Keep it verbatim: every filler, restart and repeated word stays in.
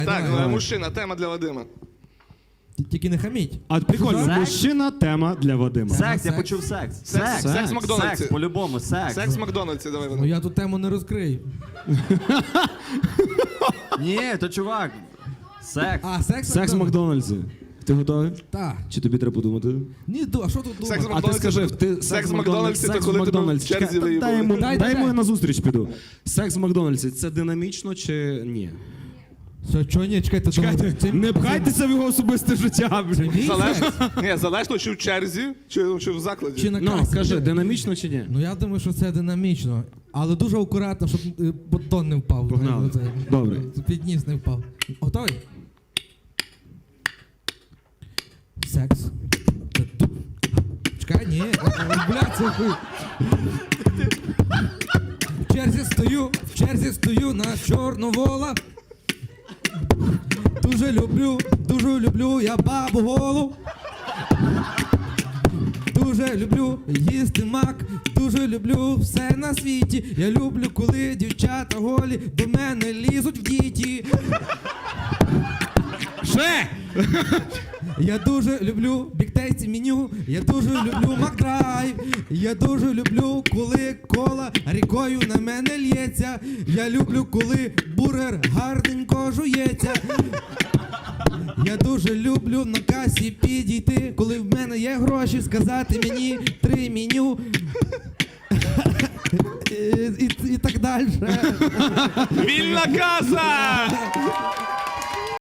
Так, Давай. мужчина, тема для Вадима. Тільки не хаміть. А прикольно, Секс? мужчина, тема для Вадима. Секс, я секс. почув секс. Секс, секс в Макдональдсі. Секс, по-любому, секс. Секс в Макдональдсі, давай, Ну Вадим. я тут тему не розкрию. Ні, то чувак. Секс. А, секс? Секс в Макдональдсі. Ти готовий? Так. Чи тобі треба подумати? Ні, ду- а що тут Секс в думати? А ти скажи, ти Секс в Макдональдсі, то секс в коли тебе в Макдональдсі. черзі Чекай, та виїбали. дай йому, Дай, дай дай, йому дай. на зустріч піду. Секс в Макдональдсі, це динамічно чи ні? Що, чого ні, чекайте, Чекайте, це- не пхайтеся в його особисте життя. Це мій Залежно, секс? ні, залежно, чи в черзі, чи, чи в закладі. Чи на Ну, касі? кажи, динамічно чи ні? Ну я думаю, що це динамічно. Але дуже акуратно, щоб е, батон не впав. Погнали. Це- Добре. Під ніс не впав. Готовий? Секс. Це ду- Чекай, ні. Бля, це хуй. В черзі стою, в черзі стою на Чорновола. Дуже люблю, дуже люблю я бабу голу. Дуже люблю їсти мак, дуже люблю все на світі. Я люблю, коли дівчата голі до мене лізуть в діті. Ще! Я дуже люблю біктейці меню, я дуже люблю Макдрайв. Я дуже люблю, коли кола рікою на мене лється. Я люблю, коли бургер гарненько жується. Я дуже люблю на касі підійти, коли в мене є гроші, сказати мені три меню. І, і, і так далі. Вільна каса!